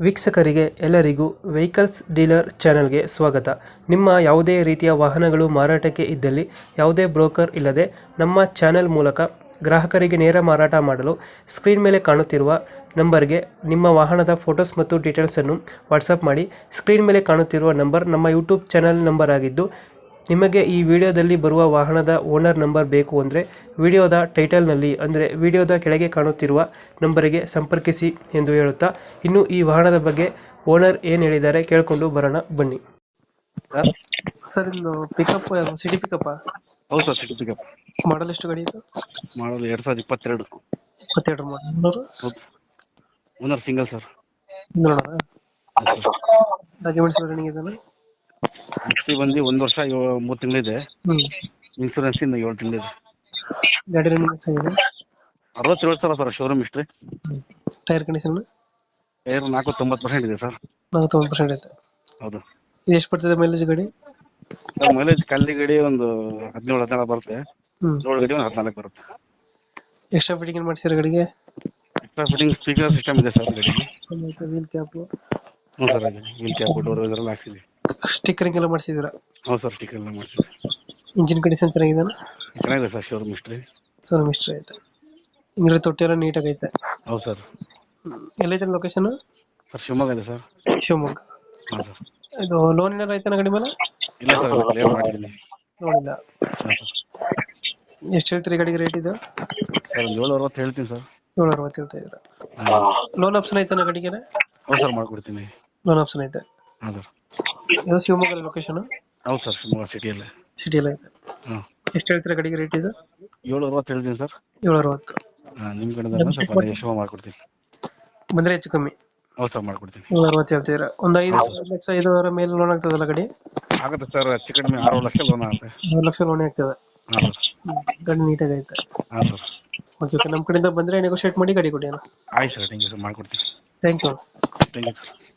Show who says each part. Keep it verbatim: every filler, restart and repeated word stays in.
Speaker 1: ವೀಕ್ಷಕರಿಗೆ ಎಲ್ಲರಿಗೂ vehicles dealer ಚಾನೆಲ್ಗೆ ಸ್ವಾಗತ. ನಿಮ್ಮ ಯಾವುದೇ ರೀತಿಯ ವಾಹನಗಳು ಮಾರಾಟಕ್ಕೆ ಇದ್ದಲ್ಲಿ ಯಾವುದೇ ಬ್ರೋಕರ್ ಇಲ್ಲದೆ ನಮ್ಮ ಚಾನೆಲ್ ಮೂಲಕ ಗ್ರಾಹಕರಿಗೆ ನೇರ ಮಾರಾಟ ಮಾಡಲು ಸ್ಕ್ರೀನ್ ಮೇಲೆ ಕಾಣುತ್ತಿರುವ ನಂಬರ್ಗೆ ನಿಮ್ಮ ವಾಹನದ ಫೋಟೋಸ್ ಮತ್ತು ಡೀಟೇಲ್ಸನ್ನು ವಾಟ್ಸಪ್ ಮಾಡಿ. ಸ್ಕ್ರೀನ್ ಮೇಲೆ ಕಾಣುತ್ತಿರುವ ನಂಬರ್ ನಮ್ಮ ಯೂಟ್ಯೂಬ್ ಚಾನೆಲ್ ನಂಬರ್ ಆಗಿದ್ದು, ನಿಮಗೆ ಈ ವಿಡಿಯೋದಲ್ಲಿ ಬರುವ ವಾಹನದ ಓನರ್ ನಂಬರ್ ಬೇಕು ಅಂದರೆ ವಿಡಿಯೋದ ಟೈಟಲ್ನಲ್ಲಿ ಅಂದರೆ ವಿಡಿಯೋದ ಕೆಳಗೆ ಕಾಣುತ್ತಿರುವ ನಂಬರಿಗೆ ಸಂಪರ್ಕಿಸಿ ಎಂದು ಹೇಳುತ್ತಾ, ಇನ್ನು ಈ ವಾಹನದ ಬಗ್ಗೆ ಓನರ್ ಏನು ಹೇಳಿದ್ದಾರೆ ಕೇಳಿಕೊಂಡು ಬರೋಣ ಬನ್ನಿ.
Speaker 2: ಸರ್
Speaker 1: ಸರ್ ಇದು ಪಿಕಪ್ ಸಿಟಿ ಪಿಕಪ್
Speaker 2: ಹೌದು ಸರ್, ಸಿಟಿ ಪಿಕಪ್
Speaker 1: ಮಾಡಲ್ ಎಷ್ಟು ಗಾಡಿ ಇದು?
Speaker 2: ಮಾಡಲ್ ಎರಡ್ ಸಾವಿರದ ಇಪ್ಪತ್ತೆರಡು.
Speaker 1: ಇಪ್ಪತ್ತೆರಡು ಮಾಡಲ್.
Speaker 2: ಹೌದು, ಓನರ್ ಸಿಂಗಲ್ ಸರ್.
Speaker 1: ನೋಡೋಣ
Speaker 2: ಎಸ್ ಸರ್.
Speaker 1: ಡಾಕ್ಯುಮೆಂಟ್ಸ್ ರನ್ನಿಂಗ್ ಇದೆಯಲ್ಲ?
Speaker 2: ಎಕ್ಸಿ ಬಂದು ಒಂದು ವರ್ಷ ಏಳು- ಮೂರು ತಿಂಗಳಿದೆ.
Speaker 1: ಹ್ಞೂ
Speaker 2: ಇನ್ಸೂರೆನ್ಸ್ ಇಂದ ಏಳು ತಿಂಗಳಿದೆ.
Speaker 1: ಗಾಡಿ ರನ್ನಿಂಗ್ ಎಷ್ಟಾಗಿದೆ?
Speaker 2: ಅರವತ್ತೇಳು ಸಾವಿರ sir showroom history.
Speaker 1: Tyre condition
Speaker 2: tyre ನಾಲ್ಕು ತೊಂಬತ್ತು ಪರ್ಸೆಂಟ್ ಇದೆ ಸರ್.
Speaker 1: ನಲವತ್ತೊಂಬತ್ತು ಪರ್ಸೆಂಟ್ ಐತೆ.
Speaker 2: ಹೌದು
Speaker 1: ಇದು ಎಷ್ಟು ಬರ್ತದೆ ಮೈಲೇಜ್ ಗಾಡಿ?
Speaker 2: ಸರ್, ಮೈಲೇಜ್ ಕಲ್ಲಿ ಗಡಿ ಒಂದು ಹದಿನೇಳು ಹದಿನಾರು ಬರುತ್ತೆ.
Speaker 1: ಹ್ಞೂ
Speaker 2: ರೋಡ್ ಗಡಿ ಒಂದು ಹದಿನಾಲ್ಕು ಬರುತ್ತೆ.
Speaker 1: ಎಕ್ಸ್ಟ್ರಾ ಫಿಟ್ಟಿಂಗ್ ಏನು ಮಾಡ್ತೀರಾ ಗಾಡಿಗೆ?
Speaker 2: ಎಕ್ಸ್ಟ್ರಾ ಫಿಟ್ಟಿಂಗ್ ಸ್ಪೀಕರ್ ಸಿಸ್ಟಮ್ ಇದೆ ಸರ್ ಗಡಿಗೆ.
Speaker 1: ವೀಲ್ ಕ್ಯಾಪು,
Speaker 2: ಹ್ಞೂ ಸರ್, ಇದೆ ವೀಲ್ ಕ್ಯಾಪ್ ಡೋರ್ ಇದೆಲ್ಲ ಹಾಕ್ಸಿದ್ವಿ.
Speaker 1: ಸ್ಟಿಕ್ಕರಿಂಗ್ ಎಲ್ಲ ಮಾಡಿಸಿದ್ದೀರಾ?
Speaker 2: ಹೌದು ಸರ್, ಸ್ಟಿಕರ್ ಎಲ್ಲ ಮಾಡಿಸಿದ್ವಿ.
Speaker 1: ಇಂಜಿನ್ ಕಂಡೀಷನ್ ಚೆನ್ನಾಗಿದೆ?
Speaker 2: ಚೆನ್ನಾಗಿದೆ ಸರ್ ಶೋರೂಮ್ ಹಿಸ್ಟ್ರಿ.
Speaker 1: ಸೋನಮ್ ಇಷ್ಟ ಐತೆ. ಇಂದ್ರೆ ತೊಟ್ಟಿ ಎಲ್ಲ ನೀಟಾಗಿ ಐತೆ.
Speaker 2: ಹೌದು ಸರ್.
Speaker 1: ಎಲ್ಲೈತೆ ಲೊಕೇಶನ್?
Speaker 2: ಸರ್ ಶಿವಮೊಗ್ಗ ಇದೆ ಸರ್.
Speaker 1: ಶಿವಮೊಗ್ಗ.
Speaker 2: ಹಾಂ ಸರ್.
Speaker 1: ಇದು ಲೋನ್ ಏನಾರು ಐತೆ ಗಾಡಿ ಮೇಲೆ?
Speaker 2: ಇಲ್ಲ ಸರ್, ಕ್ಲಿಯರ್ ಮಾಡಿದ್ದೀನಿ.
Speaker 1: ನೋಡಿಲ್ಲ.
Speaker 2: ಹಾಂ ಸರ್.
Speaker 1: ಎಷ್ಟು ಹೇಳ್ತೀರಿ ಗಾಡಿಗೆ ರೇಟ್ ಇದು?
Speaker 2: ಸರ್ ಒಂದು ಏಳು ಅರವತ್ತು ಹೇಳ್ತೀನಿ ಸರ್.
Speaker 1: ಏಳು ಅರವತ್ತು ಹೇಳ್ತಾ ಇದ್ದೀರಾ?
Speaker 2: ಹಾಂ.
Speaker 1: ಲೋನ್ ಆಪ್ಷನ್ ಐತೆ ಗಾಡಿಗೆ?
Speaker 2: ಹೌದು ಸರ್, ಮಾಡ್ಕೊಡ್ತೀನಿ.
Speaker 1: ಲೋನ್ ಆಪ್ಷನ್ ಐತೆ.
Speaker 2: ಹಾಂ ಸರ್.
Speaker 1: ಇದು ಶಿವಮೊಗ್ಗ ಲೊಕೇಶನ್?
Speaker 2: ಹೌದು ಸರ್, ಶಿವಮೊಗ್ಗ ಸಿಟಿಯಲ್ಲೇ.
Speaker 1: ಸಿಟಿಯಲ್ಲಿ ಐತೆ.
Speaker 2: ಹಾಂ.
Speaker 1: ಎಷ್ಟು ಹೇಳ್ತೀರಾ ಗಾಡಿಗೆ ರೇಟ್ ಇದು?
Speaker 2: ಏಳು ಅರವತ್ತು ಹೇಳ್ತೀನಿ ಸರ್.
Speaker 1: ಏಳು ಅರವತ್ತು.
Speaker 2: ಹಾಂ, ನಿಮ್ಮ ಕಡೆಯಿಂದ ಸ್ವಲ್ಪ ನೆಗೆಶ್ಯಬಲ್ ಮಾಡ್ಕೊಡ್ತೀನಿ.
Speaker 1: ಬಂದರೆ ಹೆಚ್ಚು ಕಮ್ಮಿ?
Speaker 2: ಹೌದು ಸರ್, ಮಾಡ್ಕೊಡ್ತೀನಿ.
Speaker 1: ಏಳು ಅರವತ್ತು ಹೇಳ್ತೀರಾ? ಒಂದು ಐದು ಲಕ್ಷ ಐದುವರೆ ಮೇಲೆ ಲೋನ್ ಆಗ್ತದಲ್ಲ ಗಾಡಿ?
Speaker 2: ಆಗುತ್ತೆ ಸರ್, ಹೆಚ್ಚು ಕಡಿಮೆ ಆರು ಲಕ್ಷ ಲೋನ್ ಆಗುತ್ತೆ.
Speaker 1: ಮೂರು ಲಕ್ಷ ಲೋನ್ ಆಗ್ತದೆ.
Speaker 2: ಹಾಂ ಸರ್.
Speaker 1: ಗಾಡಿ ನೀಟಾಗಿ ಐತೆ.
Speaker 2: ಹಾಂ ಸರ್.
Speaker 1: ಓಕೆ ಓಕೆ, ನಮ್ಮ ಕಡೆಯಿಂದ ಬಂದರೆ ನೆಗೋಷಿಯೇಟ್ ಮಾಡಿ ಗಾಡಿ ಕೊಡಿ ಅಣ್ಣ.
Speaker 2: ಆಯ್ತು ಸರ್, ಥ್ಯಾಂಕ್ ಯು ಸರ್, ಮಾಡ್ಕೊಡ್ತೀನಿ.
Speaker 1: Thank you.
Speaker 2: Thank you sir.